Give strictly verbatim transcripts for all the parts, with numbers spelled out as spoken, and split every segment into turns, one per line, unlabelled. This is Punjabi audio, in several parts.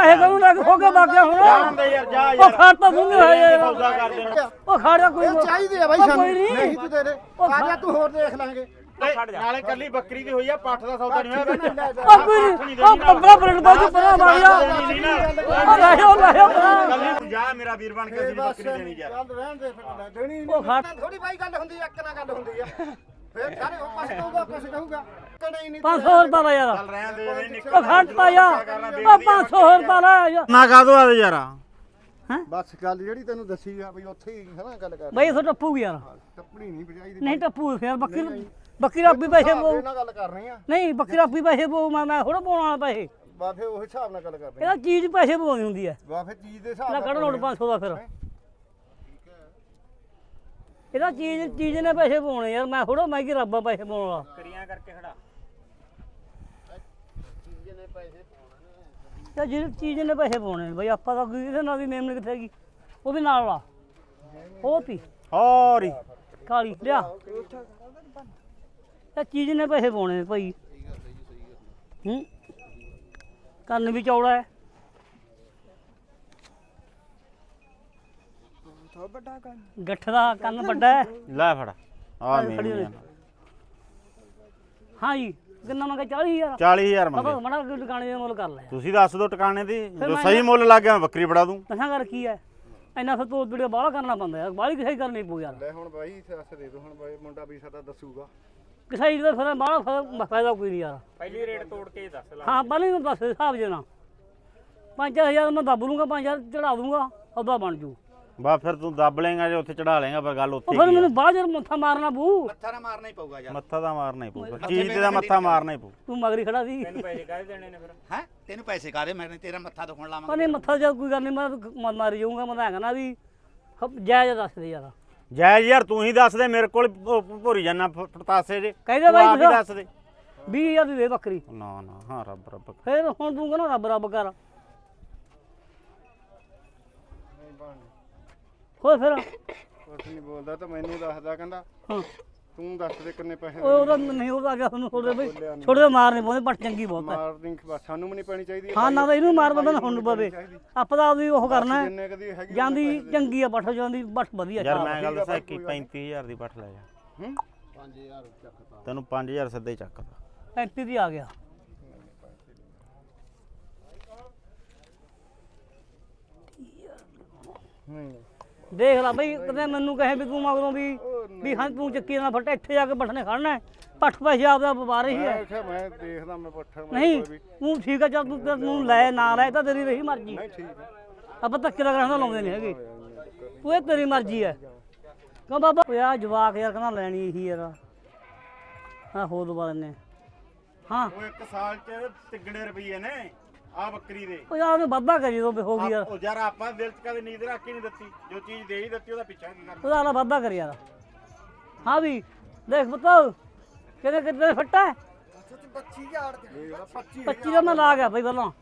ਪੈਸੇ ਕਰੂ ਲੱਗ ਹੋ ਕੇ ਬਾਕਿਆ ਹੁਣ
ਜਾਂਦੇ ਯਾਰ ਜਾ ਯਾਰ
ਉਹ ਖੜ ਤਾਂ ਸੁਣਦੇ ਹੋਏ ਯਾਰ
ਸੌਦਾ ਕਰ ਦੇਣਾ
ਉਹ ਖੜਿਆ ਕੋਈ
ਚਾਹੀਦੇ ਆ ਬਾਈ ਸਾਨੂੰ ਨਹੀਂ ਤੂੰ ਦੇ ਦੇ ਆ ਜਾ ਤੂੰ ਹੋਰ ਦੇਖ ਲਾਂਗੇ
ਨਾਲੇ ਕੱਲੀ ਬੱਕਰੀ ਦੀ ਹੋਈ ਆ ਪੱਠ ਦਾ ਸੌਦਾ ਨਹੀਂ ਹੋਇਆ
ਉਹ ਕੋਈ ਉਹ ਪੰਦਰਾਂ ਮਿੰਟ ਬਾਅਦ ਪਰਾਂ ਮਾਰਿਆ ਉਹ ਲੈ ਉਹ ਲੈ ਪਰਾਂ
ਤੂੰ ਜਾ ਮੇਰਾ ਵੀਰ ਬਣ ਕੇ ਅਸੀਂ ਬੱਕਰੀ ਦੇਣੀ ਯਾਰ
ਚੱਲ ਰਹਿਣ ਦੇ ਫਿਰ ਦੇਣੀ
ਉਹ ਖੜ
ਥੋੜੀ ਬਾਈ ਗੱਲ ਹੁੰਦੀ ਆ ਇੱਕ ਨਾਲ ਗੱਲ ਹੁੰਦੀ ਆ ਫੇਰ ਸਾਰੇ ਉਹ ਕੁਛ ਕਹੂਗਾ ਕੁਛ ਕਹੂਗਾ ਕਦੇ ਨਹੀਂ
ਪੰਜ ਸੌ ਰੁਪਏ ਦਾ ਯਾਰ
ਚੱਲ ਰਹਿਣ ਦੇ ਨਹੀਂ ਨਿਕਲ
ਉਹ ਖੜ ਪਾਇਆ ਉਹ ਪੰਜ ਸੌ ਰੁਪਏ ਦਾ ਯਾਰ
ਨਾ ਕਾਦੋ ਆ ਯਾਰ
ਬਸ ਗੱਲ ਜਿਹੜੀ ਤੈਨੂੰ ਦੱਸੀ ਆ ਬਈ ਉੱਥੇ ਹੀ ਹੈ ਨਾ ਗੱਲ ਕਰ
ਬਈ ਇਥੋਂ ਟੱਪੂਗੀ ਯਾਰ
ਟੱਪਣੀ ਨਹੀਂ ਭਜਾਈ ਦੀ
ਨਹੀਂ ਟੱਪੂ ਫਿਰ ਬੱਕਰੀ ਬੱਕਰੀ ਰੱਬੀ ਪੈਸੇ ਪੋ
ਨਾਲ ਗੱਲ ਕਰਨੀ ਆ
ਨਹੀਂ ਬੱਕਰੀ ਰੱਬੀ ਪੈਸੇ ਪੋ ਮੈਂ ਮੈਂ ਥੋੜਾ ਪਾਉਣ ਵਾਲਾ ਪੈਸੇ
ਬਾ ਫੇ ਉਹ ਹਿਸਾਬ ਨਾਲ ਗੱਲ ਕਰਨੀ
ਇਹਦਾ ਚੀਜ਼ ਪੈਸੇ ਪਵਾਉਣੀ ਹੁੰਦੀ ਹੈ
ਬਾ ਫੇ ਚੀਜ਼ ਦੇ ਹਿਸਾਬ
ਲੈ
ਨਾਲ
ਕੱਢ ਨੋਟ ਪੰਜ ਸੌ ਦਾ ਫਿਰ ਇਹਦਾ ਚੀਜ਼ ਚੀਜ਼ ਨੇ ਪੈਸੇ ਪਾਉਣੇ ਯਾਰ ਮੈਂ ਥੋੜਾ ਮੈਂ ਕੀ ਰੱਬਾ ਪੈਸੇ ਪਾਉਣ ਵਾਲਾ
ਕਰੀਆਂ ਕਰਕੇ ਖੜਾ
ਤੇ ਜਿਹੜੀ ਚੀਜ਼ ਨੇ ਪੈਸੇ ਪਾਉਣੇ ਨੇ ਬਈ ਆਪਾਂ ਤਾਂ ਕੋਈ ਇਹਦੇ ਨਾਲ ਵੀ ਮੇਮਨ ਕਿੱਥੇ ਗਈ ਉਹ ਵੀ ਨਾਲ ਵਾ ਉਹ ਤੀ
ਹੋਰੀ
ਕਾਲੀ ਲਿਆ ਤੇ ਚੀਜ਼ ਨੇ ਪੈਸੇ ਪਾਉਣੇ ਨੇ ਭਾਈ ਹੂੰ ਕੰਨ ਵੀ ਚੌੜਾ ਹੈ ਗੱਠ ਦਾ ਕੰਨ ਵੱਡਾ ਹੈ
ਲੈ ਫੜ ਆ ਮੇਰੀ
ਹਾਂ ਜੀ ਕਿੰਨਾ ਮੰਗਾ ਚਾਲੀ ਹਜ਼ਾਰ
ਚਾਲੀ ਹਜ਼ਾਰ
ਬਾਬਾ
ਮੰਗੇ
ਮੜਾ ਦੁਕਾਨੇ ਦੇ ਮੁੱਲ ਕਰ ਲੈ
ਤੁਸੀਂ ਦੱਸ ਦਿਓ ਟਿਕਾਣੇ ਦੀ ਜੋ ਸਹੀ ਮੁੱਲ ਲੱਗ ਗਿਆ ਮੈਂ ਬੱਕਰੀ ਫੜਾ ਦੂੰ
ਤਸਾਂ ਕਰ ਕੀ ਹੈ ਇੰਨਾ ਫਿਰ ਤੋੜ ਵੀਡੀਓ ਬਾਹਲਾ ਕਰਨਾ ਪੈਂਦਾ ਯਾਰ ਬਾਹਲੀ ਕਿਸੇ ਕਰਨੀ ਪਊ ਯਾਰ
ਲੈ ਹੁਣ ਬਾਈ ਦੱਸ ਦੇ ਦੋ ਹੁਣ ਬਾਈ ਮੁੰਡਾ ਵੀ ਸਾਡਾ ਦੱਸੂਗਾ
ਕਿਸੇ ਦਾ ਫਿਰ ਬਾਹਲਾ ਫਾਇਦਾ ਕੋਈ ਨਹੀਂ ਯਾਰ
ਪਹਿਲੀ ਰੇਟ ਤੋੜ ਕੇ ਦੱਸ ਲੈ
ਹਾਂ ਪਹਿਲੇ ਨੂੰ ਦੱਸ ਹਿਸਾਬ ਜਨਾ ਪੰਜ ਹਜ਼ਾਰ ਮੈਂ ਦੱਬ ਲੂੰਗਾ ਪੰਜ ਹਜ਼ਾਰ ਚੜਾ ਦੂੰਗਾ ਉਹਦਾ ਬਣ ਜੂ
ਬਾ ਫਿਰ ਤੂੰ ਦੱਬ ਲੇਗਾ ਜੇ ਉੱਥੇ ਚੜਾ ਲੇਗਾ ਪਰ ਗੱਲ ਉੱਥੇ
ਉਹ ਫਿਰ ਮੈਨੂੰ ਬਾਹਰ ਜਰ ਮੱਥਾ ਮਾਰਨਾ ਪਊ
ਮੱਥਾ ਨਾ ਮਾਰਨਾ ਹੀ ਪਊਗਾ ਯਾਰ
ਮੱਥਾ ਤਾਂ ਮਾਰਨਾ ਹੀ ਪਊ ਚੀਜ਼ ਦਾ ਮੱਥਾ ਮਾਰਨਾ ਹੀ ਪਊ
ਤੂੰ ਮਗਰੀ ਖੜਾ ਸੀ
ਪੈਸੇ ਕਾਹਦੇ ਦੇਣੇ ਨੇ ਫਿਰ
ਹੈ ਤੈਨੂੰ ਪੈਸੇ ਕਾਦੇ ਮੈਂ ਤੇਰਾ ਮੱਥਾ ਦੁਖਣ ਲਾਵਾਂਗਾ
ਪਰ ਨਹੀਂ ਮੱਥਾ ਜਦ ਕੋਈ ਗੱਲ ਨਹੀਂ ਮੈਂ ਤਾਂ ਮਾਰੀ ਜਾਊਂਗਾ ਮੈਂ ਤਾਂ ਹੈਗਾ ਨਾ ਵੀ ਜਾਇਜ਼ ਦੱਸ ਦੇ ਯਾਰ
ਜਾਇਜ਼ ਯਾਰ ਤੂੰ ਹੀ ਦੱਸ ਦੇ ਮੇਰੇ ਕੋਲ ਭੋਰੀ ਜਾਨਾ ਪਤਾਸੇ ਜੇ
ਕਹਿੰਦੇ ਬਾਈ
ਤੂੰ ਆਪ ਹੀ
ਤੁਸੀਂ
ਦੱਸ ਦੇ
ਵੀਹ ਹਜ਼ਾਰ ਦੀ ਦੇ ਬੱਕਰੀ
ਨਾ ਨਾ ਹਾਂ ਰੱਬ ਰੱਬ
ਫਿਰ ਹੁਣ ਤੂੰ ਕਹਿੰਦਾ ਰੱਬ ਰੱਬ ਕਰ ਹੋਰ ਫਿਰ
ਕੁਛ ਨਹੀਂ ਬੋਲਦਾ ਤਾਂ ਮੈਨੂੰ ਦੱਸਦਾ ਕਹਿੰਦਾ
ਹਾਂ
ਤੂੰ ਦੱਸ ਦੇ ਕਿੰਨੇ ਪੈਸੇ
ਉਹ ਉਹਦਾ ਨਹੀਂ ਉਹਦਾ ਗਿਆ ਤੁਹਾਨੂੰ ਛੋੜੇ ਬਈ ਛੋੜੇ ਮਾਰ ਨਹੀਂ ਪਾਉਂਦੇ ਪੱਟ ਚੰਗੀ ਬਹੁਤ ਹੈ
ਮਾਰਨਿੰਗ ਬਸ ਸਾਨੂੰ ਵੀ ਨਹੀਂ ਪੈਣੀ ਚਾਹੀਦੀ
ਹਾਂ ਨਾ ਤਾਂ ਇਹਨੂੰ ਮਾਰ ਬੰਦਾ ਹੁਣ ਨੂੰ ਪਵੇ ਆਪਾਂ ਤਾਂ ਆਪਦੀ ਉਹ ਕਰਨਾ
ਜਿੰਨੇ ਕਦੀ ਹੈਗੀ
ਜਾਂਦੀ ਚੰਗੀ ਆ ਪੱਠ ਜਾਂਦੀ ਪੱਠ ਵਧੀਆ
ਯਾਰ ਮੈਂ ਗੱਲ ਦੱਸਾਂ ਕਿ ਪੈਂਤੀ ਹਜ਼ਾਰ ਦੀ ਪੱਠ ਲੈ ਜਾ
ਹੂੰ ਪੰਜ ਹਜ਼ਾਰ ਚੱਕਤਾ
ਤੈਨੂੰ ਪੰਜ ਹਜ਼ਾਰ ਸਿੱਧਾ ਹੀ ਚੱਕਦਾ
ਪੈਂਤੀ ਦੀ ਆ ਗਿਆ
ਨਹੀਂ
ਦੇਖ ਲੈ ਬਈ ਕਦੇ ਮੈਨੂੰ ਕਹੇ ਵੀ ਤੂੰ ਮਗਰੋਂ ਵੀ ਵੀ ਹਾਂ ਤੂੰ ਚੱਕੀ ਨਾ ਫਟ ਇੱਥੇ ਜਾ ਕੇ ਪੱਠਨੇ ਖੜਨਾ ਪੱਠ ਪੈਸੇ ਆਪਦਾ ਵਪਾਰ ਹੀ ਹੈ
ਮੈਂ ਮੈਂ ਦੇਖਦਾ ਮੈਂ ਪੱਠਾ
ਨਹੀਂ ਤੂੰ ਠੀਕ ਆ ਚੱਲ ਤੂੰ ਤੈਨੂੰ ਲੈ ਨਾ ਲੈ ਤਾਂ ਤੇਰੀ ਰਹੀ ਮਰਜ਼ੀ
ਨਹੀਂ ਠੀਕ ਹੈ
ਆਪਾਂ ਧੱਕੇ ਦਾ ਗ੍ਰਹਿਣ ਲਾਉਂਦੇ ਨਹੀਂ ਹੈਗੇ ਤੂੰ ਇਹ ਤੇਰੀ ਮਰਜ਼ੀ ਹੈ ਕਿਉਂ ਬਾਬਾ ਓਏ ਆ ਜਵਾਕ ਯਾਰ ਕਹਿੰਦਾ ਲੈਣੀ ਇਹੀ ਯਾਰ ਹਾਂ ਹੋ ਦੁਬਾਰਾ ਨੇ ਹਾਂ
ਉਹ ਇੱਕ ਸਾਲ ਚ ਤਿੱਗੜੇ ਰੁਪਏ ਨੇ ਆ ਬੱਕਰੀ ਦੇ
ਉਹ ਯਾਰ ਉਹਨੇ ਵਾਧਾ ਕਰੀ ਦੋ ਹੋ ਗਈ ਯਾਰ
ਉਹ ਯਾਰ ਆਪਾਂ ਦਿਲ ਚ ਕਦੇ ਨੀਂਦ ਰੱਖ ਕੇ ਨਹੀਂ ਦਿੱਤੀ ਜੋ ਚੀਜ਼ ਦੇ ਹੀ ਦਿੱਤੀ ਉਹਦਾ ਪਿੱਛਾ ਕੀ ਕਰਨਾ
ਉਹਦਾ ਵਾਲਾ ਵਾਧਾ ਕਰ ਯਾਰ ਹਾਂ ਵੀ ਦੇਖ ਪੁੱਤ ਕਿਹਦੇ ਕਿੱਥੇ ਫੱਟਾ ਹੈ
ਪੱਚੀ ਹਜ਼ਾਰ ਦੇ ਪੱਚੀ
ਪੱਚੀ ਦਾ ਮੈਂ ਲਾ ਗਿਆ ਬਈ ਪਹਿਲਾਂ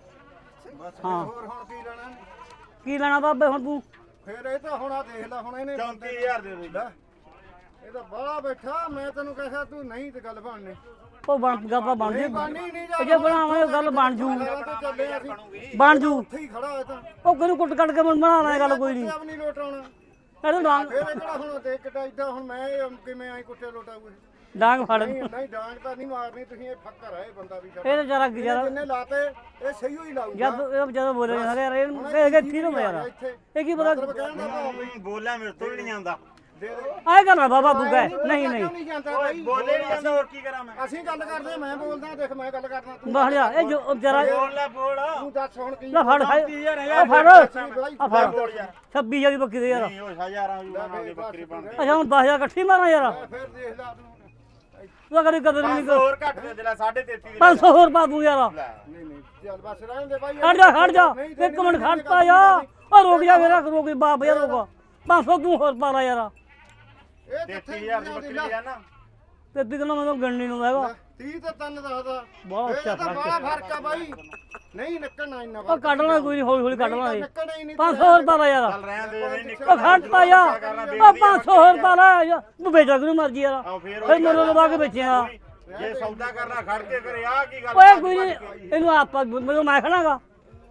ਹਾਂ ਹੋਰ ਹੁਣ ਕੀ ਲੈਣਾ
ਕੀ ਲੈਣਾ ਬਾਬੇ ਹੁਣ ਤੂੰ
ਫੇਰ ਇਹ ਤਾਂ ਹੁਣ ਆ ਦੇਖ ਲੈ ਹੁਣ ਇਹਨੇ
ਚੌਂਤੀ ਹਜ਼ਾਰ ਦੇ ਦੇ
ਇਹ ਤਾਂ ਬਾਹਲਾ ਬੈਠਾ ਮੈਂ ਤੈਨੂੰ ਕਹਿਆ ਤੂੰ ਨਹੀਂ ਤੇ ਗੱਲ ਬਣਨੀ
ਉਹ ਬਣ ਗੱਪਾ ਬਣ ਜੂ
ਬਣਨੀ ਨਹੀਂ
ਉਹ ਜੇ ਬਣਾਵਾਂਗੇ ਗੱਲ ਬਣ ਜੂ
ਚੱਲੇ ਅਸੀਂ
ਬਣ ਜੂ
ਉੱਥੇ ਹੀ ਖੜਾ ਹੈ ਤਾਂ
ਉਹ ਕਿਹਨੂੰ ਕੁੱਟ ਕੱਟ ਕੇ ਬਣਾ ਲੈ ਗੱਲ ਕੋਈ ਨਹੀਂ
ਆਪ ਨਹੀਂ ਲੋਟਾਉਣਾ
ਇਹਨੂੰ ਡਾਂਗ
ਫੇਰ ਇਹ ਕਿਹੜਾ ਹੁਣ ਦੇਖ ਕਿੱਡਾ ਇਦਾਂ ਹੁਣ ਮੈਂ ਇਹ ਕਿਵੇਂ ਆਈ ਕੁੱਟੇ ਲੋਟਾਊਗਾ
ਡਾਂਗ ਫੜ
ਨਹੀਂ ਨਹੀਂ ਡਾਂਗ ਤਾਂ ਨਹੀਂ ਮਾਰਨੀ ਤੁਸੀਂ ਇਹ ਫੱਕਰ ਹੈ ਇਹ ਬੰਦਾ ਵੀ
ਇਹ ਜਰਾ ਜਰਾ
ਜਿੰਨੇ ਲਾਤੇ ਇਹ ਸਹੀ ਹੋਈ ਲਾਊਗਾ
ਜਦ ਇਹ ਜਦੋਂ ਬੋਲੇ ਸਾਰੇ ਯਾਰ ਇਹ ਕਿ ਠੀਕ ਹੁੰਦਾ ਯਾਰ ਇਹ ਕੀ ਪਤਾ
ਕਹਿਣ ਦਾ ਭਾਵ ਵੀ
ਬੋਲਿਆ ਮੇਰੇ ਤੋਂ ਵੀ ਨਹੀਂ ਆਉਂਦਾ
ਦੇ ਦੇ
ਆਏ ਕਰ ਲੈ ਬਾਬਾ ਤੂੰ ਕਹਿ ਨਹੀਂ ਨਹੀਂ
ਨਹੀਂ ਜਾਂਦਾ ਬਾਈ
ਬੋਲੇ ਨਹੀਂ ਆਉਂਦਾ ਹੋਰ ਕੀ ਕਰਾਂ ਮੈਂ
ਅਸੀਂ ਗੱਲ ਕਰਦੇ ਮੈਂ ਬੋਲਦਾ ਦੇਖ ਮੈਂ ਗੱਲ ਕਰਦਾ ਤੂੰ
ਬਾਹਰ ਜਾ ਇਹ ਜੋ ਜਰਾ
ਬੋਲ ਲੈ ਬੋਲ
ਤੂੰ ਦੱਸ ਹੁਣ ਕੀ
ਲੈ ਫੜ
ਚੌਂਤੀ ਹਜ਼ਾਰ
ਆ
ਯਾਰ
ਫੜ
ਬਾਈ
ਆ ਫੜ
ਬੋਲ ਯਾਰ
ਛੱਬੀ ਹਜ਼ਾਰ ਦੀ ਬੱਕਰੀ ਦੇ ਯਾਰ
ਨਹੀਂ ਉਹ ਹਜ਼ਾਰਾਂ ਯੂਆਂ ਦੀ ਬੱਕਰੀ ਬਣਦੀ
ਅੱਛਾ ਹੁਣ ਦਸ ਹਜ਼ਾਰ ਇਕੱਠੀ ਮਾਰਾਂ ਯਾਰ
ਫੇਰ ਦੇਖ ਲੈ ਤੂੰ
ਤੂੰ ਕਰੀ ਕਦਰ ਨਹੀਂ
ਪੰਜ ਸੌ ਹੋਰ ਘੱਟ ਦੇ ਦਿਲਾ ਸਾਢੇ ਤੇਤੀ ਦੀ
ਪੰਜ ਸੌ ਹੋਰ ਪਾ ਦੂੰ ਯਾਰ
ਨਹੀਂ ਨਹੀਂ ਚੱਲ ਬਸ ਰਹਿਣ ਦੇ ਬਾਈ
ਖੜ ਜਾ ਖੜ ਜਾ ਇੱਕ ਮਿੰਟ ਖੜਤਾ ਯਾਰ ਉਹ ਰੁਕ ਜਾ ਮੇਰਾ ਰੁਕ ਬਾਪ ਯਾਰ ਰੁਕ ਪੰਜ ਸੌ ਤੂੰ ਹੋਰ ਪਾ ਲੈ ਯਾਰ
ਇਹ
ਤੇਤੀ ਹਜ਼ਾਰ ਦੀ ਬੱਕਰੀ ਆ ਨਾ
ਤੇ ਦਿਨ ਮੈਨੂੰ ਗਣਨੀ ਨੂੰ ਹੈਗਾ
ਤੀਹ ਤੇ ਤਿੰਨ ਦੱਸਦਾ
ਬਹੁਤ ਅੱਛਾ
ਤਾਂ ਬੜਾ ਫਰਕ ਆ ਬਾਈ ਨਹੀਂ ਨਿਕਲਣਾ ਇੰਨਾ
ਉਹ ਕੱਢ ਲੈਣਾ ਕੋਈ ਨਹੀਂ ਹੌਲੀ ਹੌਲੀ ਕੱਢ ਲਾਂਗੇ
ਨਿਕਲਣਾ ਹੀ ਨਹੀਂ
ਪੰਜ ਸੌ ਹੋਰ ਪਾ ਲੈ ਯਾਰ
ਚੱਲ ਰਹਿਣ ਦੇ ਨਹੀਂ
ਉਹ ਖੜਤਾ ਯਾਰ ਉਹ ਪੰਜ ਸੌ ਹੋਰ ਪਾ ਲੈ ਯਾਰ ਤੂੰ ਵੇਚਾ ਕਿਉਂ ਮਰਜੀ ਯਾਰ
ਆਓ ਫੇਰ
ਫਿਰ ਮੈਨੂੰ ਲਵਾ ਕੇ ਵੇਚਿਆ
ਜੇ ਸੌਦਾ ਕਰਨਾ ਖੜ ਕੇ ਕਰੇ ਆ ਕੀ ਗੱਲ
ਓਏ ਕੋਈ ਨਹੀਂ ਇਹਨੂੰ ਆਪਾਂ ਮੈਨੂੰ ਮੈਂ ਖੜਾਗਾ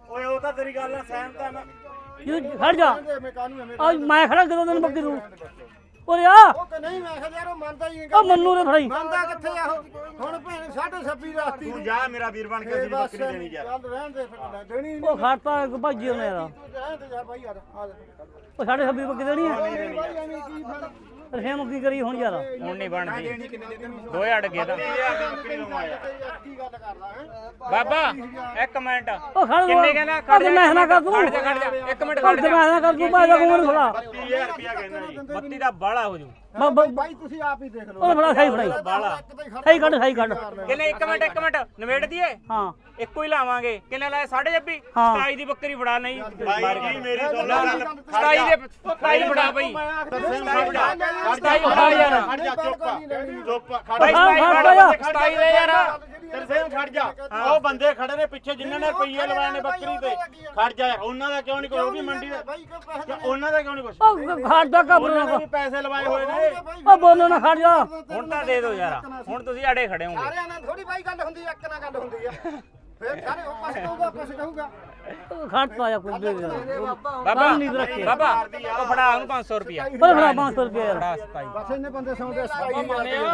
ਓਏ ਉਹ ਤਾਂ ਤੇਰੀ ਗੱਲ ਨਾਲ ਸਹਿਮਤ ਆ ਮੈਂ
ਇਹ ਖੜ ਜਾ
ਮੈਂ ਕਾਹਨੂੰ ਐਵੇਂ
ਆ ਮੈਂ ਖੜਾ ਕਦੋਂ ਤੈਨੂੰ ਬੱਕਰੀ ਨੂੰ ਓਏ ਆ
ਉਹ ਕਿ ਨਹੀਂ ਮੈਂ ਕਿਹਾ ਯਾਰ ਉਹ ਮੰਨਦਾ ਹੀ ਨਹੀਂ
ਉਹ ਮੰਨੂ ਨੇ ਫੜਾਈ
ਮੰਨਦਾ ਕਿੱਥੇ ਆ ਉਹ ਹੁਣ ਭੈਣ ਸਾਢੇ ਛੱਬੀ ਰਾਤੀ
ਤੂੰ ਜਾ ਮੇਰਾ ਵੀਰ ਬਣ ਕੇ ਅਸੀਂ ਬੱਕਰੀ ਦੇਣੀ ਯਾਰ
ਚੱਲ ਰਹਿਣ ਦੇ ਫਿਰ ਲੈ, ਦੇਣੀ ਨਹੀਂ
ਉਹ ਖੜਤਾ ਇੱਕ ਭਾਜੀ ਉਹਨੇ ਯਾਰ
ਤੂੰ ਰਹਿਣ ਦੇ ਯਾਰ ਬਾਈ ਯਾਰ ਆ ਜਾ
ਉਹ ਸਾਡੇ ਛੱਬੀ ਬੱਕਰੀ ਦੇਣੀ ਹੈ
ਬਾਈ ਐਵੇਂ ਕੀ ਫਿਰ
ਰਖੇਮ ਕੀ ਕਰੀ ਹੁਣ ਯਾਰ
ਹੁਣ ਨਹੀਂ ਬਣਦੀ
ਦੇਣੀ ਕਿੰਨੇ ਦੇ ਦੇਣੀ
ਦੋਏ ਅੜ ਗਏ ਤਾਂ
ਬੱਕਰੀ ਨੂੰ ਆਇਆ
ਕੀ ਗੱਲ ਕਰਦਾ ਹੈ
ਬਾਬਾ ਇੱਕ ਮਿੰਟ
ਉਹ ਖੜ
ਕਿੰਨੇ ਕਹਿੰਦਾ ਖੜ ਜਾ
ਮੈਂ ਨਾ ਕਰ ਤੂੰ
ਖੜ ਜਾ ਖੜ ਜਾ ਇੱਕ ਮਿੰਟ
ਖੜ
ਖੜ
ਜਾ
ਜਾ
ਮੈਂ ਨਾ ਕਰ ਤੂੰ ਭਾਈ ਦਾ ਕੋਲ ਖੜਾ
ਤੀਹ ਹਜ਼ਾਰ ਰੁਪਇਆ ਕਹਿੰਦਾ ਜੀ
ਬੱਤੀ ਦਾ ਬਾਲਾ ਹੋ ਜੂ
ਬਾਈ ਤੁਸੀਂ ਆਪ ਹੀ ਦੇਖ ਲਓ
ਉਹ ਫੜਾ ਸਹੀ ਫੜਾਈ
ਬਾਲਾ
ਸਹੀ ਕੱਢ ਸਹੀ ਕੱਢ
ਕਿੰਨੇ ਇੱਕ ਮਿੰਟ ਇੱਕ ਮਿੰਟ ਨਵੇੜ ਦਈਏ
ਹਾਂ
ਇੱਕੋ ਹੀ ਲਾਵਾਂਗੇ ਕਿੰਨੇ ਲਾਏ ਸਾਢੇ ਛੱਬੀ
ਹਾਂ।
ਸਤਾਈ ਦੀ ਬੱਕਰੀ ਫੜਾ ਨਹੀਂ
ਬਾਈ ਜੀ ਮੇਰੀ ਸੁਣ ਲੈ ਗੱਲ
ਸਤਾਈ ਦੇ ਸਤਾਈ ਫੜਾ ਬਈ
ਸਤਾਈ
ਫੜਾ ਯਾਰ
ਖੜ ਜਾ ਚੁੱਪ ਚੁੱਪ ਖੜ
ਬਾਈ
ਹਾਂ,
ਸਤਾਈ
ਹਾਂ,
ਫੜਾ
ਹਾਂ।
ਸਤਾਈ ਦੇ ਯਾਰ
ਤਰਸੇਮ ਖੜ ਜਾ ਉਹ ਬੰਦੇ ਖੜੇ ਨੇ ਪਿੱਛੇ ਜਿਨ੍ਹਾਂ ਨੇ ਰੁਪਈਏ ਲਵਾਏ ਨੇ ਬੱਕਰੀ ਤੇ ਖੜ ਜਾ ਯਾਰ ਉਹਨਾਂ ਦਾ ਕਿਉਂ ਨਹੀਂ ਕੋਈ ਉਹ ਵੀ ਮੰਡੀ ਦਾ
ਬਾਈ ਕੋ ਪੈਸੇ
ਉਹਨਾਂ ਦਾ ਕਿਉਂ ਨਹੀਂ ਕੁਛ
ਉਹ ਖੜ ਜਾ ਕਬਰ
ਉਹਨਾਂ ਨੇ ਵੀ ਪੈਸੇ ਲਵਾਏ ਹੋਏ ਨੇ
ਉਹ ਬੋਲੋ ਨਾ ਖੜ ਜਾ
ਹੁਣ ਤਾਂ ਦੇ ਦਿਓ ਯਾਰ ਹੁਣ ਤੁਸੀਂ ਆੜੇ ਖੜੇ ਹੋਗੇ
ਸਾਰਿਆਂ ਨਾਲ ਥੋੜੀ ਬਾਈ ਗੱਲ ਹੁੰਦੀ ਆ, ਇੱਕ ਨਾਲ ਗੱਲ ਹੁੰਦੀ ਆ ਫਿਰ ਸਾਰੇ ਉਹ ਪਾਸੇ ਕਹੂਗਾ ਪਾਸੇ ਕਹੂਗਾ
ਖੜਤਾ ਜਾਂ ਕੁਝ ਦੇ ਦੇ
ਬਾਬਾ
ਨਹੀਂ ਰੱਖੇ
ਬਾਬਾ ਉਹ ਫੜਾ ਉਹਨੂੰ ਪੰਜ ਸੌ ਰੁਪਿਆ
ਉਹ ਫੜਾ ਪੰਜ ਸੌ ਰੁਪਏ ਯਾਰ
ਫੜਾ ਸਤਾਈ
ਬਸ ਇਹਨੇ ਬੰਦੇ ਸੌਂਦੇ ਸੌ ਮੰਨੇ ਆ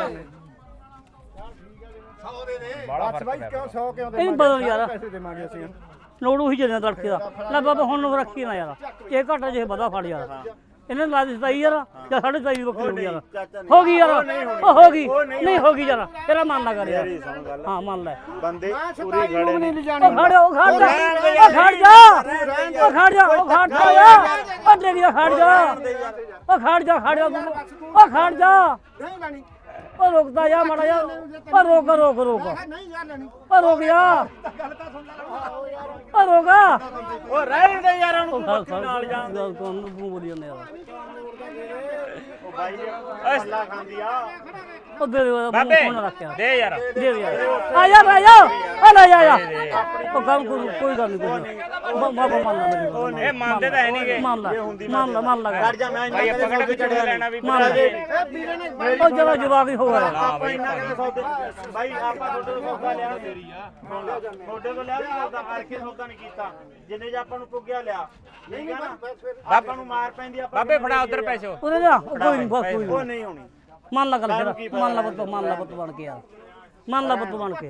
ਸੌ ਦੇ ਦੇ ਬਸ ਬਾਈ ਕਿਉਂ ਸੌ ਕਿਉਂ ਦੇ
ਇਹ ਬਦਲ ਯਾਰ
ਪੈਸੇ ਦੇਵਾਂਗੇ ਅਸੀਂ
ਲੋੜ ਉਹੀ ਚੱਲਣਾ ਤੜਕੇ ਦਾ ਲੈ ਬਾਬਾ ਹੁਣ ਰੱਖੀ ਨਾ ਯਾਰ ਇਹ ਘਾਟਾ ਜੇ ਵਧਾ ਫੜ ਯਾਰ ਇਹਨੇ ਲਾ ਦਿੱਤਾ ਯਾਰ ਜਾਂ ਸਾਢੇ ਸਤਾਈ ਦੀ ਬੱਕਰੀ ਹੋ ਗਈ ਯਾਰ ਹੋ ਗਈ ਯਾਰ ਉਹ ਹੋ ਗਈ ਨਹੀਂ ਹੋ ਗਈ ਯਾਰ ਤੇਰਾ ਮਨ ਨਾ ਕਰ ਯਾਰ ਹਾਂ ਮੰਨ ਲੈ
ਬੰਦੇ
ਪੂਰੀ ਖੜੇ ਨੇ
ਉਹ ਖੜ ਉਹ ਖੜ ਜਾ ਉਹ ਖੜ ਜਾ ਉਹ ਖੜ ਜਾ ਉਹ ਖੜ ਜਾ ਯਾਰ ਉਹ ਤੇਰੀ ਦਾ ਖੜ ਜਾ ਉਹ ਖੜ ਜਾ ਖੜ ਜਾ ਤੂੰ। ਉਹ ਖੜ ਜਾ
ਨਹੀਂ ਲੈਣੀ
ਉਹ ਰੁਕਦਾ ਜਾ ਮਾੜਾ ਜਾ ਉਹ ਰੋਕ ਰੋਕ ਰੋਕ
ਨਹੀਂ ਯਾਰ ਲੈਣੀ
ਉਹ ਰੁਕ ਜਾ
ਗੱਲ ਤਾਂ ਸੁਣ ਲੈ
ਉਹ ਰੋਕ
ਉਹ ਰਹਿਣ ਦੇ ਯਾਰ ਉਹਨੂੰ
ਉਹ ਗੱਲ ਨਾਲ ਜਾ ਗੱਲ ਤੋਂ ਤੂੰ ਬੋਲੀ ਜਾਂਦੇ ਯਾਰ
ਉਹ ਬਾਈ ਅੱਲਾ ਖਾਂਦੀ ਆ
ਉਹ ਦੇ ਦੇ
ਬਾਬੇ
ਫੋਨ ਰੱਖਿਆ
ਦੇ ਯਾਰ
ਦੇ ਦੇ ਯਾਰ ਆ ਜਾ ਆ ਜਾ ਆ ਲੈ ਜਾ ਜਾ ਉਹ ਕੰਮ ਕੋਈ ਕੋਈ ਗੱਲ ਨਹੀਂ ਕੋਈ ਮਾਫਾ ਮੰਨ ਲੈ
ਇਹ ਮੰਨਦੇ ਤਾਂ ਹੈ ਨਹੀਂਗੇ
ਮੰਨ ਲੈ ਮੰਨ ਲੈ ਮੰਨ ਲੈ
ਖੜ ਜਾ ਮੈਂ
ਭਾਈ ਆਪਾਂ ਕਿਹੜਾ ਵਿਚੜੇ ਲੈਣਾ ਵੀ
ਮੰਨ ਲੈ
ਇਹ ਵੀਰੇ ਨੇ
ਉਹ ਜਰਾ ਜਵਾਬ ਹੀ ਹੋ ਗਿਆ
ਆਪਾਂ ਇੰਨਾ ਕਿਤੇ ਸੌਦੇ ਬਾਈ ਆਪਾਂ ਤੁਹਾਡੇ ਤੋਂ ਸੌਦਾ ਲਿਆ ਤੇਰੀ ਆ ਤੁਹਾਡੇ ਤੋਂ ਲਿਆ ਵੀ ਸੌਦਾ ਹਰ ਕੇ ਸੌਦਾ ਨਹੀਂ ਕੀਤਾ ਜਿੰਨੇ ਜੇ ਆਪਾਂ ਨੂੰ ਪੁੱਗਿਆ ਲਿਆ ਠੀਕ ਆ ਨਾ ਆਪਾਂ ਨੂੰ ਮਾਰ ਪੈਂਦੀ ਆਪਾਂ
ਬਾਬੇ ਫੜਾ ਉਧਰ ਪੈਸੇ
ਉਹਨੇ ਜਾ ਉਹ ਕੋਈ ਨਹੀਂ ਬਸ ਕੋਈ
ਉਹ
ਨਹੀਂ
ਨਹੀਂ ਹੋਣੀ
ਮੰਨ ਲਾ ਕਰ ਫਿਰ ਮੰਨ ਲਾ ਬੱਤ ਮੰਨ ਲਾ ਬੱਤ ਬਣ ਕੇ ਯਾਰ ਮੰਨ ਲਾ ਬੱਤ ਬਣ ਕੇ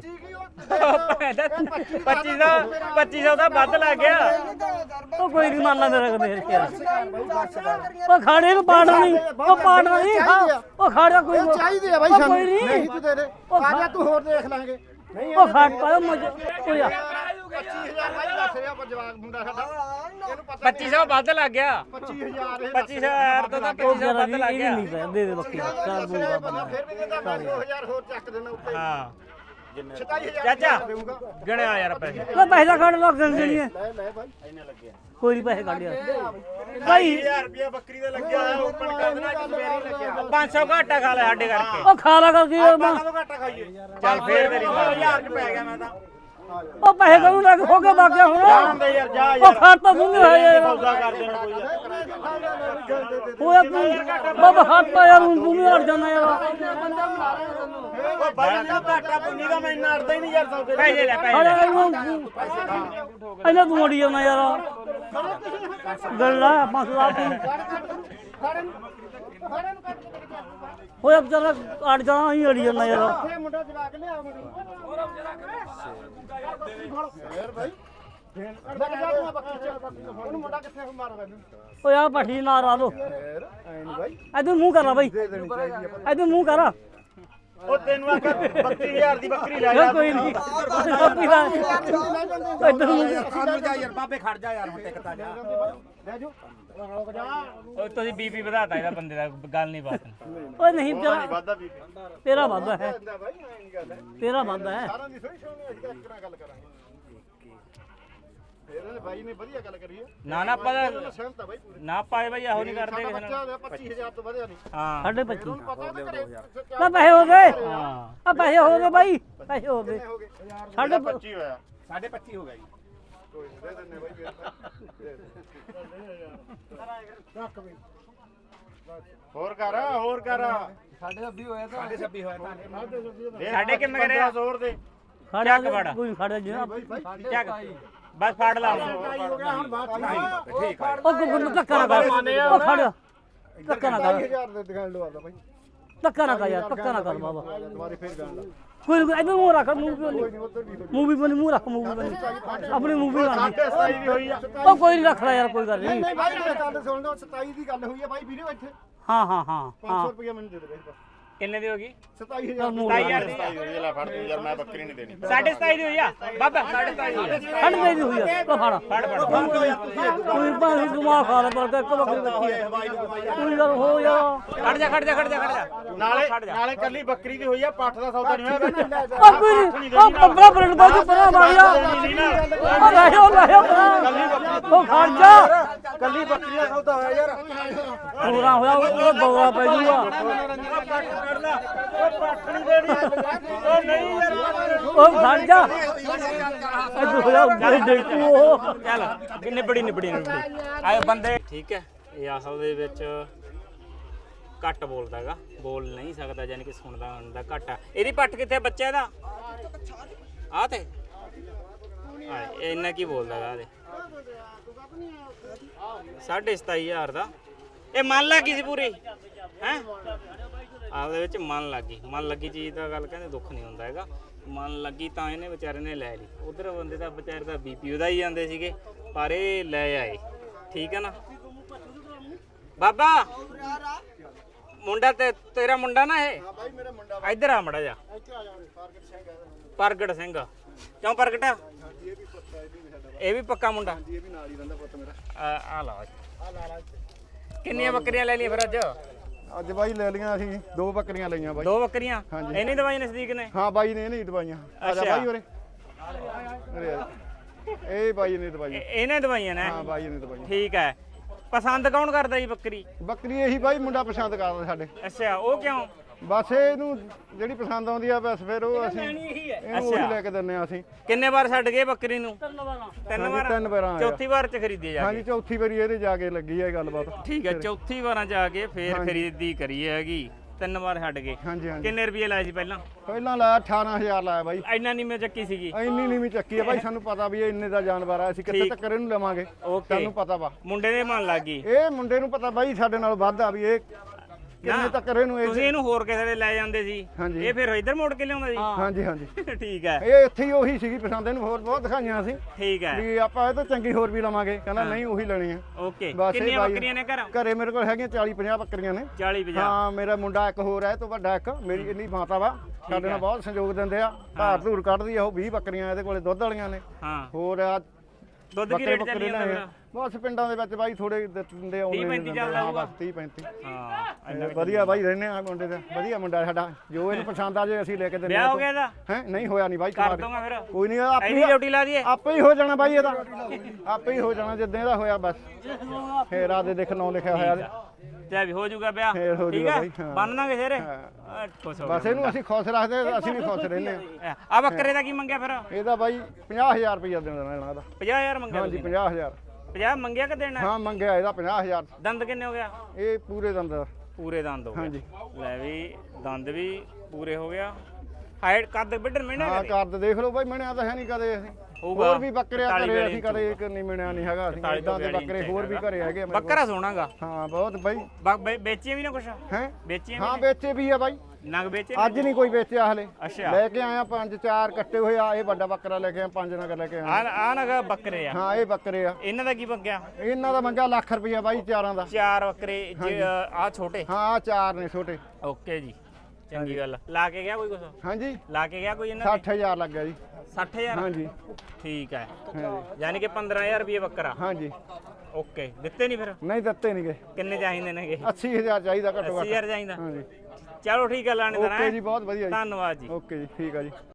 ਪੱਚੀ ਸੌ ਪੱਚੀ ਸੌ ਦਾ ਵੱਧ ਲੱਗ ਗਿਆ
ਉਹ ਕੋਈ ਨਹੀਂ ਮੰਨ ਲਾ ਮੇਰਾ ਮੇਰੇ ਯਾਰ ਉਹ ਖਾੜੇ ਨੂੰ ਪਾੜਨਾ ਨਹੀਂ ਉਹ ਪਾੜਨਾ ਨਹੀਂ ਹਾਂ, ਉਹ ਖਾੜਾ ਕੋਈ
ਇਹ ਚਾਹੀਦੇ ਆ ਬਾਈ
ਉਹ
ਸਾਨੂੰ
ਕੋਈ ਨਹੀਂ
ਨਹੀਂ ਤੂੰ ਦੇ ਦੇ ਆ ਜਾ ਤੂੰ ਹੋਰ ਦੇਖ ਲਾਂਗੇ ਨਹੀਂ
ਉਹ ਖਾੜ ਪਾਇਆ ਮਜ ਉਹ ਯਾਰ
ਪੱਚੀ ਹਜ਼ਾਰ ਬਾਈ ਦੱਸ ਰਿਹਾ ਪਰ ਜਵਾਕ ਮੁੰਡਾ ਸਾਡਾ ਇਹਨੂੰ ਪਤਾ
ਪੱਚੀ ਸੌ ਵੱਧ ਲੱਗ ਗਿਆ
ਪੱਚੀ ਹਜ਼ਾਰ ਇਹ
ਪੱਚੀ ਸੌ ਯਾਰ ਤੋਂ ਤਾਂ
ਉਹ
ਪੱਚੀ ਸੌ
ਜਰਾ
ਵੱਧ
ਵੀ
ਲੱਗ
ਇਹ
ਗਿਆ
ਨਹੀਂ ਪਿਆ ਦੇ ਦੇ ਬੱਕੀ ਚਾਰ ਦੂੰਗਾ
ਬੰਦਾ
ਬੰਦਾ
ਫਿਰ ਵੀ ਕਹਿੰਦਾ ਮੈਂ ਦੋ ਹਜ਼ਾਰ ਹੋਰ ਚੱਕ ਦੇਣਾ ਉੱਤੇ
ਹਾਂ
ਸਤਾਈ ਹਜ਼ਾਰ
ਚਾਚਾ
ਦੇਊਗਾ
ਗਿਣਿਆ ਯਾਰ ਪੈਸੇ
ਲੈ ਪੈਸੇ ਦਾ ਕੱਢ ਲੋ ਗੰਗਣੀ ਹੈ
ਲੈ ਲੈ ਬਾਈ
ਇੰਨੇ ਲੱਗਿਆ
ਕੋਈ ਨਹੀਂ ਪੈਸੇ ਕੱਢ ਯਾਰ ਭਾਈ
ਹਜ਼ਾਰ ਰੁਪਇਆ ਬੱਕਰੀ ਦਾ ਲੱਗਿਆ ਹੋਇਆ ਓਪਨ ਕਰ ਦੇਣਾ ਕਿ ਮੇਰੀ ਲੱਗਿਆ
ਪੰਜ ਸੌ ਘਾਟਾ ਖਾ ਲੈ ਸਾਡੇ ਕਰਕੇ
ਉਹ ਖਾ ਲਾ ਕਰਕੇ ਯਾਰ ਮੈਂ
ਕਦੋਂ ਘਾਟਾ ਖਾਈਏ
ਚੱਲ ਫੇਰ ਤੇਰੀ ਮਰਜ਼ੀ।
ਹਜ਼ਾਰ ਚ ਪੈ ਗਿਆ ਮੈਂ ਤਾਂ
ਉਹ ਪੈਸੇ ਕਰੂ ਲੱਗ ਹੋ ਕੇ ਬਾਕਿਆ ਹੁਣ
ਜਾਣ ਦੇ ਯਾਰ ਜਾ
ਉਹ
ਯਾਰ
ਖਾੜ ਤਾਂ ਦੂੰਗੇ ਹੈ ਯਾਰ
ਸੌਦਾ ਕਰ ਦੇਣਾ ਕੋਈ ਯਾਰ
ਹੋਇਆ ਤੂੰ ਬਾਬਾ ਖਾੜ ਤਾਂ ਯਾਰ ਹੁਣ ਤੂੰ ਵੀ ਹਟ ਜਾਣਾ ਯਾਰ
ਉਹ ਬਾਈ ਨੂੰ ਘਾਟਾ ਪੁੰਨੀ ਦਾ ਮੈਂ ਇੰਨਾ ਅੜਦਾ ਹੀ ਨਹੀਂ ਯਾਰ ਸੌਦੇ
ਪੈਸੇ ਲੈ ਪੈਸੇ
ਅਰੇ
ਲੈ
ਇਹਨੂੰ ਇਹਨਾਂ ਤੂੰ ਅੜੀ ਜਾਣਾ ਯਾਰ ਗੱਲਾਂ ਮਸਲਾ ਤੂੰ ਹੋਇਆ ਵਿਚਾਰਾ ਅੜ ਜਾਣਾ ਹੀ ਅੜੀ ਜਾਣਾ ਯਾਰ
ਇਹ ਮੁੰਡਾ ਜਵਾਕ ਲਿਆ ਮੁੰਡਾ ਫੇਰ ਭਾਈ ਲੱਗ ਜਾ ਤੂੰ ਬੱਕੀ ਚ ਉਹਨੂੰ ਮੁੰਡਾ ਕਿੱਥੇ ਮਾਰੋ ਮੈਨੂੰ
ਓਏ ਆ ਪੱਠੀ ਨਾ ਰਾ ਲੋ
ਫੇਰ ਐ ਨਹੀਂ ਭਾਈ
ਇਧਰ ਮੂੰਹ ਕਰ ਲਾ ਬਾਈ
ਦੇ ਦੇਣੀ ਚਾਹੀਦੀ ਆ
ਇਧਰ ਮੂੰਹ ਕਰ
ਉਹ ਤੈਨੂੰ ਆਖਿਆ ਬੱਤੀ ਹਜ਼ਾਰ ਦੀ ਬੱਕਰੀ ਲੈ
ਯਾਰ
ਜਾ
ਕੋਈ ਨਹੀਂ ਇਧਰ ਮੂੰਹ
ਜਾ ਯਾਰ ਬਾਬੇ ਖੜ ਜਾ ਯਾਰ ਹੁਣ ਟਿਕਤਾ ਜਾ ਲੈ ਜੋ ਰੋਕ ਜਾ
ਉਹ ਤੁਸੀਂ ਬੀਪੀ ਵਧਾਤਾ ਇਹਦਾ ਬੰਦੇ ਦਾ ਗੱਲ ਨਹੀਂ ਬਾਤ
ਓਏ ਨਹੀਂ ਤੇਰਾ
ਵਾਦਾ ਵੀ
ਤੇਰਾ ਵਾਦਾ ਹੈ
ਹੁੰਦਾ ਭਾਈ ਐ ਨਹੀਂ ਗੱਲ ਹੈ
ਤੇਰਾ ਵਾਦਾ ਹੈ
ਸਾਰਿਆਂ ਦੀ ਸੋਈ ਸੁਣਨੀ ਅਸੀਂ ਇੱਕ ਨਾਲ ਗੱਲ ਕਰਾਂਗੇ ਫੇਰ ਇਹਨੇ ਬਾਈ ਨੇ ਵਧੀਆ ਗੱਲ ਕਰੀ ਹੈ
ਨਾ ਨਾ ਆਪਾਂ ਤਾਂ-
ਸਹਿਮਤ ਆ ਬਾਈ ਪੂਰੀ
ਨਾ ਪਾਏ ਬਈ ਇਹੋ ਨਹੀਂ ਕਰਦੇ
ਸਾਡਾ
ਕਿਸੇ
ਬੱਚਾ
ਨਾਲ
ਹੋਇਆ ਪੱਚੀ ਹਜ਼ਾਰ ਤੋਂ ਵਧਿਆ ਨਹੀਂ
ਹਾਂ
ਸਾਢੇ ਪੱਚੀ
ਪਤਾ ਤਾਂ ਕਰੇ
ਨਾ ਪੈਸੇ ਹੋ ਗਏ
ਹਾਂ
ਆ ਪੈਸੇ ਹੋ ਗਏ ਬਾਈ ਪੈਸੇ ਹੋ ਗਏ
ਹੋ ਗਏ
ਸਾਢੇ
ਪੱਚੀ ਹੋਇਆ
ਸਾਢੇ ਪੱਚੀ ਹੋ ਗਿਆ ਜੀ ਕੋਈ ਨਹੀਂ ਦੇ ਦਿੰਨੇ ਬਾਈ ਰੱਖ ਬਈ
ਹੋਰ ਕਰ ਹੋਰ ਕਰ
ਸਾਡੇ ਛੱਬੀ ਹੋਇਆ ਤਾਂ ਸਾਡੇ ਛੱਬੀ ਹੋਇਆ ਤਾਂ
ਸਾਡੇ ਕਿੰਨੇ ਕਰਿਆ?
ਜ਼ੋਰ ਦੇ
ਖੜਿਆ
ਚੱਕ ਵੜ।
ਕੋਈ ਖੜਿਆ ਜੀ
ਚੱਕ ਬਸ ਫੜ ਲਾ
ਉਹ ਗੁੱਗੂ ਧੱਕਾ ਨਾ ਕਰ ਉਹ ਖੜ ਧੱਕਾ ਨਾ ਕਰ
ਹਜ਼ਾਰ ਦੇ ਦੁਕਾਨ ਲਵਾਦਾ ਬਾਈ
ਧੱਕਾ ਨਾ ਕਰ ਯਾਰ ਧੱਕਾ ਨਾ ਕਰ ਬਾਬਾ
ਦੁਬਾਰੇ ਫੇਰ ਗੱਲ
ਕੋਈ ਨਹੀਂ ਇਹਨੂੰ ਮੂੰਹ ਰੱਖ ਮੂੰਹ ਕਿਉਂ ਨਹੀਂ
ਉਧਰ ਵੀ
ਮੂਵੀ ਬਣੀ ਮੂੰਹ ਰੱਖ ਮੂਵੀ ਬਣੀ ਆਪਣੀ ਮੂਵੀ ਬਣੀ
ਸਤਾਈ ਦੀ ਹੋਈ ਆ
ਉਹ ਕੋਈ ਨਹੀਂ ਰੱਖ ਲੈ ਯਾਰ ਕੋਈ ਗੱਲ
ਨਹੀਂ
ਨਹੀਂ
ਨਹੀਂ ਬਾਈ ਮੇਰੇ ਗੱਲ ਸੁਣ ਲਓ ਸਤਾਈ ਦੀ ਗੱਲ ਹੋਈ ਹੈ ਬਾਈ ਵੀਡੀਓ ਇੱਥੇ
ਹਾਂ ਹਾਂ ਹਾਂ
ਪੰਜ ਸੌ ਰੁਪਏ ਮੈਨੂੰ ਦੇ ਦੇ ਬਾਈ ਬਸ
ਕਿੰਨੇ ਦੀ ਹੋ ਗਈ
ਸਤਾਈ ਹਜ਼ਾਰ
ਸਤਾਈ ਹਜ਼ਾਰ ਦੀ
ਲੈ ਫੜ ਤੂੰ ਯਾਰ ਮੈਂ ਬੱਕਰੀ ਨਹੀਂ ਦੇਣੀ
ਸਾਢੇ ਸਤਾਈ ਦੀ ਹੋਈ ਆ ਬਾਬਾ ਸਾਢੇ ਸਤਾਈ ਦੀ ਹੋਈ ਆ।
ਖੜ ਗਈ ਹੋਈ ਆ ਉਹ ਫੜ
ਫੜ ਫੜ
ਕੋਈ ਭਾਵੇਂ ਦਿਮਾਗ ਖਾ ਲੈ ਪਰ ਇੱਕ ਬੱਕਰੀ ਬੱਚੀ ਹੈ ਕੋਈ ਗੱਲ ਹੋ ਯਾਰ
ਖੜ ਜਾ ਖੜ ਜਾ ਖੜ ਜਾ ਖੜ ਜਾ
ਨਾਲੇ ਨਾਲੇ ਕੱਲੀ ਬੱਕਰੀ ਦੀ ਹੋਈ ਆ ਪੱਠ ਦਾ ਸੌਦਾ ਨਹੀਂ ਹੋਇਆ ਵਿੱਚ
ਉਹ ਕੋਈ ਨਹੀਂ ਉਹ ਪੰਦਰਾਂ ਮਿੰਟ ਬਾਅਦ ਪਰਾਂ ਮਾਰਿਆ ਉਹ ਲੈ ਉਹ ਲੈ ਉਹ ਖੜ ਜਾ
ਕੱਲੀ ਬੱਕਰੀ ਦਾ ਸੌਦਾ ਹੋਇਆ ਯਾਰ
ਪੂਰਾ ਹੋਇਆ ਉਹ ਬੌਲਾ ਪੈ ਜੂਗਾ
ਉਹ ਪੱਠ ਨਹੀਂ ਦੇਣੀ ਉਹ ਨਹੀਂ ਯਾਰ
ਉਹ ਖੜ ਜਾ ਇਹ ਹੋਇਆ ਬੜੀ ਦੇਖੂ ਉਹ
ਚੱਲ ਨਿਬੜੀ ਨਿਬੜੀ ਨਿਬੜੀ ਆਏ ਬੰਦੇ ਠੀਕ ਹੈ ਇਹ ਅਸਲ ਦੇ ਵਿੱਚ ਘੱਟ ਬੋਲਦਾ ਹੈਗਾ ਬੋਲ ਨਹੀਂ ਸਕਦਾ ਯਾਨੀ ਕਿ ਸੁਣਦਾ ਹੁੰਦਾ ਘੱਟ ਆ ਇਹਦੀ ਪੱਠ ਕਿੱਥੇ ਬੱਚਾ ਇਹਦਾ ਆ ਤੇ ਆ ਇਹ ਇੰਨਾ ਕੀ ਬੋਲਦਾ ਹੈਗਾ ਇਹਦੇ ਸਾਢੇ ਸਤਾਈ ਹਜ਼ਾਰ ਦਾ ਇਹ ਮਨ ਲੱਗੀ ਸੀ ਪੂਰੀ ਹੈ ਆਪਦੇ ਵਿੱਚ ਮਨ ਲੱਗੀ ਮਨ ਲੱਗੀ ਚੀਜ਼ ਦਾ ਗੱਲ ਕਹਿੰਦੇ ਦੁੱਖ ਨਹੀਂ ਹੁੰਦਾ ਹੈਗਾ ਮਨ ਲੱਗੀ ਤਾਂ ਇਹਨੇ ਵਿਚਾਰੇ ਨੇ ਲੈ ਲਈ ਉਧਰ ਬੰਦੇ ਦਾ ਵਿਚਾਰੇ ਦਾ ਬੀਪੀ ਉਹਦਾ ਹੀ ਜਾਂਦੇ ਸੀਗੇ ਪਰ ਇਹ ਲੈ ਆਏ ਠੀਕ ਹੈ ਨਾ ਬਾਬਾ ਮੁੰਡਾ ਤੇ ਤੇਰਾ ਮੁੰਡਾ ਨਾ ਇਹ
ਬਾਈ ਮੇਰਾ ਮੁੰਡਾ
ਇੱਧਰ ਆ ਮੜਾ ਜਾ
ਇੱਥੇ ਆ ਜਾਣੇ ਪ੍ਰਗਟ ਸਿੰਘ ਹੈ
ਪ੍ਰਗਟ ਸਿੰਘ ਕਿਉਂ ਪ੍ਰਗਟ
ਹਾਂਜੀ ਇਹ ਵੀ ਪੱਕਾ ਇਹ ਵੀ ਸਾਡਾ
ਇਹ ਵੀ ਪੱਕਾ ਮੁੰਡਾ
ਇਹ ਵੀ ਨਾਲ ਹੀ ਰਹਿੰਦਾ ਪੁੱਤ ਮੇਰਾ
ਆ ਆ ਲਾ
ਆ ਲਾ ਲਾ ਇੱਥੇ
ਕਿੰਨੀਆਂ ਬੱਕਰੀਆਂ ਲੈ ਲਈਆਂ ਫਿਰ ਅੱਜ
ਅੱਜ ਬਾਈ ਲੈ ਲਈਆਂ ਅਸੀਂ ਦੋ ਬੱਕਰੀਆਂ ਲਈਆਂ ਬਾਈ
ਦੋ ਬੱਕਰੀਆਂ
ਹਾਂਜੀ।
ਇੰਨੀ ਦਵਾਈ ਨਜ਼ਦੀਕ ਨੇ
ਹਾਂ ਬਾਈ ਨੇ ਨਹੀਂ ਦਵਾਈਆਂ ਆ ਜਾ
ਅੱਛਾ।
ਬਾਈ ਉਰੇ ਉਰੇ ਆ ਜਾ। ਇਹ ਬਾਈ ਨੇ ਦਵਾਈਆਂ
ਇਹ- ਇਹਨੇ ਦਵਾਈਆਂ ਨੇ
ਹਾਂ ਬਾਈ ਨੇ ਦਵਾਈਆਂ
ਠੀਕ ਹੈ ਪਸੰਦ ਕੌਣ ਕਰਦਾ ਜੀ ਬੱਕਰੀ
ਬੱਕਰੀ ਇਹੀ ਬਾਈ ਮੁੰਡਾ ਪਸੰਦ ਕਰਦਾ ਸਾਡੇ
ਅੱਛਾ ਉਹ ਕਿਉਂ
ਬਸ ਇਹਨੂੰ ਜਿਹੜੀ ਪਸੰਦ ਆਉਂਦੀ ਆ ਬਸ ਫਿਰ ਉਹ ਅਸੀਂ ਇਹਨੂੰ ਉਹੀ ਲੈ ਕੇ ਦਿੰਨੇ ਆ ਅਸੀਂ
ਕਿੰਨੇ ਵਾਰ ਛੱਡ ਗਏ ਬੱਕਰੀ ਨੂੰ ਤਿੰਨ
ਹਾਂਜੀ,
ਵਾਰ
ਤਿੰਨ ਵਾਰਾਂ ਆਇਆ।
ਚੌਥੀ ਵਾਰ ਚ ਖਰੀਦੀ ਜਾ
ਹਾਂਜੀ ਚੌਥੀ ਵਾਰੀ ਇਹਦੇ ਜਾ ਕੇ ਲੱਗੀ ਹੈ ਗੱਲਬਾਤ
ਠੀਕ ਹੈ ਚੌਥੀ ਵਾਰਾਂ ਜਾ ਕੇ ਫੇਰ ਖਰੀਦੀ ਕਰੀ ਹੈਗੀ ਤਿੰਨ ਵਾਰ ਛੱਡ ਗਏ
ਹਾਂਜੀ ਹਾਂਜੀ
ਕਿੰਨੇ ਰੁਪਏ ਲਾਏ ਸੀ ਪਹਿਲਾਂ
ਪਹਿਲਾਂ ਲਾਇਆ ਅਠਾਰਾਂ ਹਜ਼ਾਰ ਲਾਇਆ ਬਾਈ
ਇੰਨਾ ਨਹੀਂ ਮੈਂ ਚੱਕੀ ਸੀਗੀ
ਇੰਨੀ ਨੀਵੀਂ ਚੱਕੀ ਆ ਬਾਈ ਸਾਨੂੰ ਪਤਾ ਵੀ ਇਹ ਇੰਨੇ ਦਾ ਜਾਨਵਰ ਆ ਅਸੀਂ ਕਿੱਥੇ ਤੱਕ ਇਹਨੂੰ ਲਵਾਂਗੇ
ਓਕੇ
ਸਾਨੂੰ ਪਤਾ ਵਾ
ਮੁੰਡੇ ਦੇ ਮਨ ਲੱਗ ਗਈ
ਇਹ ਮੁੰਡੇ ਨੂੰ ਪਤਾ ਬਾਈ ਸਾਡੇ ਨਾਲ ਵੱਧ ਆ ਵੀ ਇਹ ਕਿੰਨੇ ਤੱਕ ਇਹਨੂੰ ਇਹ
ਤੁਸੀਂ ਇਹਨੂੰ ਹੋਰ ਕਿਸੇ ਦੇ ਲੈ ਜਾਂਦੇ ਸੀ
ਹਾਂਜੀ।
ਇਹ ਫਿਰ ਇੱਧਰ ਮੋੜ ਕੇ ਲਿਆਉਂਦਾ ਸੀ
ਹਾਂਜੀ ਹਾਂਜੀ
ਠੀਕ ਹੈ
ਇਹ ਇੱਥੇ ਹੀ ਉਹੀ ਸੀਗੀ ਪਸੰਦ ਇਹਨੂੰ ਹੋਰ ਬਹੁਤ ਦਿਖਾਈਆਂ ਅਸੀਂ
ਠੀਕ ਹੈ
ਵੀ ਆਪਾਂ ਇਹ ਤੋਂ ਚੰਗੀ ਹੋਰ ਵੀ ਲਵਾਂਗੇ ਕਹਿੰਦਾ ਨਹੀਂ ਉਹੀ ਲੈਣੀ ਆ
ਓਕੇ
ਬਸ ਇਹ
ਕਿੰਨੀਆਂ
ਬਾਈ-
ਬੱਕਰੀਆਂ ਨੇ ਘਰ
ਘਰੇ ਮੇਰੇ ਕੋਲ ਹੈਗੀਆਂ ਚਾਲੀ ਪੰਜਾਹ ਬੱਕਰੀਆਂ ਨੇ
ਚਾਲੀ ਪੰਜਾਹ
ਹਾਂ ਮੇਰਾ ਮੁੰਡਾ ਇੱਕ ਹੋਰ ਹੈ ਇਹ ਤੋਂ ਵੱਡਾ ਇੱਕ ਮੇਰੀ ਇੰਨੀ ਮਾਤਾ ਵਾ ਸਾਡੇ ਨਾਲ ਬਹੁਤ ਸਹਿਯੋਗ ਦਿੰਦੇ ਆ ਧਾਰ ਧੂਰ ਕੱਢਦੀ ਆ ਉਹ ਵੀਹ ਬੱਕਰੀਆਂ ਇਹਦੇ ਕੋਲੇ ਦੁੱਧ ਵਾਲੀਆਂ ਨੇ
ਹਾਂ
ਹੋਰ ਆ
ਦੁੱਧ ਕੀ ਰੇਟ ਚੱਲੀ ਜਾਂਦਾ ਫਿਰ
ਬਸ ਪਿੰਡਾਂ ਦੇ ਵਿੱਚ ਬਾਈ ਥੋੜੇ ਦਿੰਦੇ ਆਉਂਦੇ
ਤੀਹ ਪੈਂਤੀ ਚੱਲਦਾ
ਹਾਂ ਬਸ ਤੀਹ ਪੈਂਤੀ
ਹਾਂ ਇੰਨਾ ਕੁ
ਵਧੀਆ ਬਾਈ ਰਹਿੰਦੇ ਆ ਮੁੰਡੇ ਦਾ ਵਧੀਆ ਮੁੰਡਾ ਸਾਡਾ ਜੋ ਇਹਨੂੰ ਪਸੰਦ ਆ ਜੇ ਅਸੀਂ ਲੈ ਕੇ ਦਿੰਦੇ
ਵਿਆਹ ਹੋ ਗਿਆ ਇਹਦਾ
ਹੈ ਨਹੀਂ ਹੋਇਆ ਨਹੀਂ ਬਾਈ
ਕਰ
ਕੁਮਾਰ।
ਦੂੰਗਾ ਫਿਰ
ਕੋਈ ਨਹੀਂ ਆਪੇ
ਐਨੀ ਡਿਊਟੀ ਲਾ ਦਈਏ
ਆਪੇ ਹੀ ਹੋ ਜਾਣਾ ਬਾਈ ਇਹਦਾ ਆਪੇ ਹੀ ਹੋ ਜਾਣਾ ਜਿੱਦਾਂ ਇਹਦਾ ਹੋਇਆ ਬਸ ਫੇਰ ਆਦੇ ਦੇਖ ਨੌ ਲਿਖਿਆ ਹੋਇਆ ਇਹਦੇ।
ਤੇ ਵੀ ਹੋ ਜਾਊਗਾ ਵਿਆਹ
ਫੇਰ ਹੋ
ਠੀਕ
ਜਾਊਗਾ
ਹੈ
ਬਾਈ, ਹਾਂ।
ਬੰਨ ਦਾਂਗੇ ਫੇਰ
ਹਾਂ।
ਖੁਸ਼ ਹੋ
ਬਸ ਇਹਨੂੰ ਅਸੀਂ ਖੁਸ਼ ਰੱਖਦੇ ਅਸੀਂ ਵੀ ਖੁਸ਼ ਰਹਿੰਦੇ ਆ
ਆ ਬੱਕਰੇ ਦਾ ਕੀ ਮੰਗਿਆ ਫਿਰ
ਇਹਦਾ ਬਾਈ ਪੰਜਾਹ ਹਜ਼ਾਰ ਰੁਪਇਆ ਦੇਣਾ ਲੈਣਾ ਇਹਦਾ
ਪੰਜਾਹ ਹਜ਼ਾਰ ਮੰਗਿਆ
ਹਾਂਜੀ
ਤੁਸੀਂ
ਪੰਜਾਹ ਹਜ਼ਾਰ
ਪੰਜਾਹ ਮੰਗਿਆ ਕਿ ਦੇਣਾ
ਹਾਂ ਮੰਗਿਆ ਇਹਦਾ ਪੰਜਾਹ ਹਜ਼ਾਰ
ਦੰਦ ਕਿੰਨੇ ਹੋ ਗਿਆ
ਇਹ ਪੂਰੇ ਦੰਦ ਦਾ।
ਪੂਰੇ ਦੰਦ ਹੋ ਗਏ
ਹਾਂਜੀ।
ਲੈ ਵੀ ਦੰਦ ਵੀ ਪੂਰੇ ਹੋ ਗਿਆ ਹਾਈਟ ਕੱਦ ਵੱਢਣ ਮੈਨੇ
ਹਾਂ ਕਰਦ ਦੇਖ ਲਓ ਬਾਈ ਮਿਣਿਆ ਤਾਂ ਹੈ ਨਹੀਂ ਕਦੇ ਅਸੀਂ
ਹੋਊਗਾ।
ਹੋਰ ਵੀ ਬੱਕਰੇ
ਇਕਤਾਲੀ
ਘਰੇ
ਬਿਆਲੀ
ਅਸੀਂ ਕਦੇ ਇੱਕ ਨਹੀਂ ਮਿਣਿਆ ਨਹੀਂ ਹੈਗਾ ਅਸੀਂ
ਇਕਤਾਲੀ
ਇਦਾਂ ਦੇ
ਬਿਆਲੀ
ਬੱਕਰੇ ਹੋਰ ਵੀ ਘਰੇ ਹੈਗੇ ਆ ਮੇਰੇ ਕੋਲ।
ਬੱਕਰਾ ਸੋਹਣਾਗਾ
ਹਾਂ ਬਹੁਤ ਬਾਈ
ਬ- ਵੇ- ਵੇਚੀਆਂ ਵੀ ਨਾ ਕੁਛ
ਹੈ
ਵੇਚੀਆਂ
ਹਾਂ
ਵੀ
ਵੇਚੇ ਵੀ ਆ ਬਾਈ
ਨਗ ਵੇਚੇ
ਅੱਜ ਨਹੀਂ ਕੋਈ ਵੇਚਿਆ ਹਲੇ
ਅੱਛਾ
ਲੈ ਕੇ ਆਇਆ ਪੰਜ ਚਾਰ ਕੱਟੇ ਹੋਏ ਆ ਇਹ ਵੱਡਾ ਬੱਕਰਾ ਲੈ ਕੇ ਆਇਆ ਪੰਜ ਨਗ ਲੈ ਕੇ ਆਇਆ
ਆ ਆ ਨਗ ਬੱਕਰੇ ਆ
ਹਾਂ ਇਹ ਬੱਕਰੇ ਆ
ਇਹਨਾਂ ਦਾ ਕੀ ਮੰਗਿਆ
ਇਹਨਾਂ ਦਾ ਮੰਗਿਆ ਲੱਖ ਰੁਪਇਆ ਬਾਈ ਚਾਰਾਂ ਦਾ
ਚਾਰ ਬੱਕਰੇ ਆ ਛੋਟੇ
ਹਾਂ ਆਹ ਚਾਰ ਨੇ ਛੋਟੇ
ਓਕੇ ਜੀ ਚੰਗੀ ਗੱਲ ਲਾ ਕੇ ਗਿਆ ਕੋਈ ਕੁਛ
ਹਾਂਜੀ
ਲਾ ਕੇ ਗਿਆ ਕੋਈ ਇਹਨਾਂ
ਸੱਠ ਹਜ਼ਾਰ ਲੱਗ ਗਿਆ ਜੀ
ਸੱਠ ਹਜ਼ਾਰ
ਹਾਂਜੀ
ਠੀਕ ਹੈ
ਹਾਂਜੀ
ਯਾਨੀ ਕਿ ਪੰਦਰਾਂ ਹਜ਼ਾਰ ਰੁਪਏ ਬੱਕਰਾ
ਹਾਂਜੀ
ਓਕੇ ਦਿੱਤੇ ਨਹੀਂ ਫਿਰ
ਨਹੀਂ ਦਿੱਤੇ ਨਹੀਂ ਗਏ
ਕਿੰਨੇ ਚਾਹੀਦੇ ਨੇਗੇ
ਅੱਸੀ ਹਜ਼ਾਰ ਚਾਹੀਦਾ ਘੱਟੋ
ਅੱਸੀ
ਘੱਟ
ਹਜ਼ਾਰ ਚਾਹੀਦਾ
ਹਾਂਜੀ
ਚਲੋ ਠੀਕ ਹੈ ਲਾਣੇਦਾਰ
ਓਕੇ ਜੀ ਬਹੁਤ ਵਧੀਆ ਜੀ
ਧੰਨਵਾਦ ਜੀ
ਓਕੇ ਜੀ ਠੀਕ ਆ ਜੀ